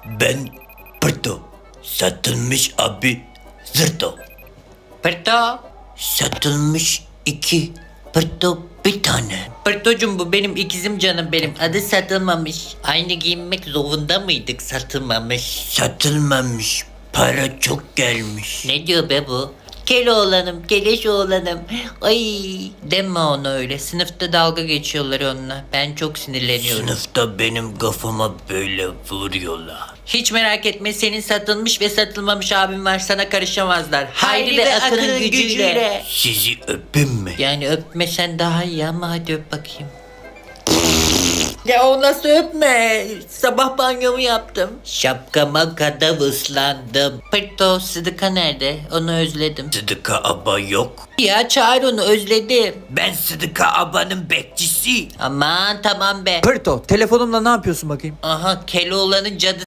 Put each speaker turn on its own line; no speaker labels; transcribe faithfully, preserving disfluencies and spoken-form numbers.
Ben Pırto. Satılmış abi zırto.
Pırto.
Satılmış iki. Pırto bir tane.
Pırtocum bu benim ikizim canım benim. Adı satılmamış. Aynı giyinmek zorunda mıydık satılmamış?
Satılmamış. Para çok gelmiş.
Ne diyor be bu? Keloğlanım, keleş oğlanım. Ay deme ona öyle. Sınıfta dalga geçiyorlar onunla. Ben çok sinirleniyorum.
Sınıfta benim kafama böyle vuruyorlar.
Hiç merak etme, senin satılmış ve satılmamış abim var, sana karışamazlar. Hayri, ve Akın'ın gücüyle.
Sizi öpeyim mi?
Yani öpmesen daha iyi ama hadi öp bakayım. Ya o nasıl öpme? Sabah banyomu yaptım. Şapkama kadar ıslandım. Pırto, Sıdıka nerede? Onu özledim.
Sıdıka aba yok.
Ya çağır onu, özledim.
Ben Sıdıka abanın bekçisi.
Aman tamam be.
Pırto telefonumla ne yapıyorsun bakayım?
Aha Keloğlan'ın cadı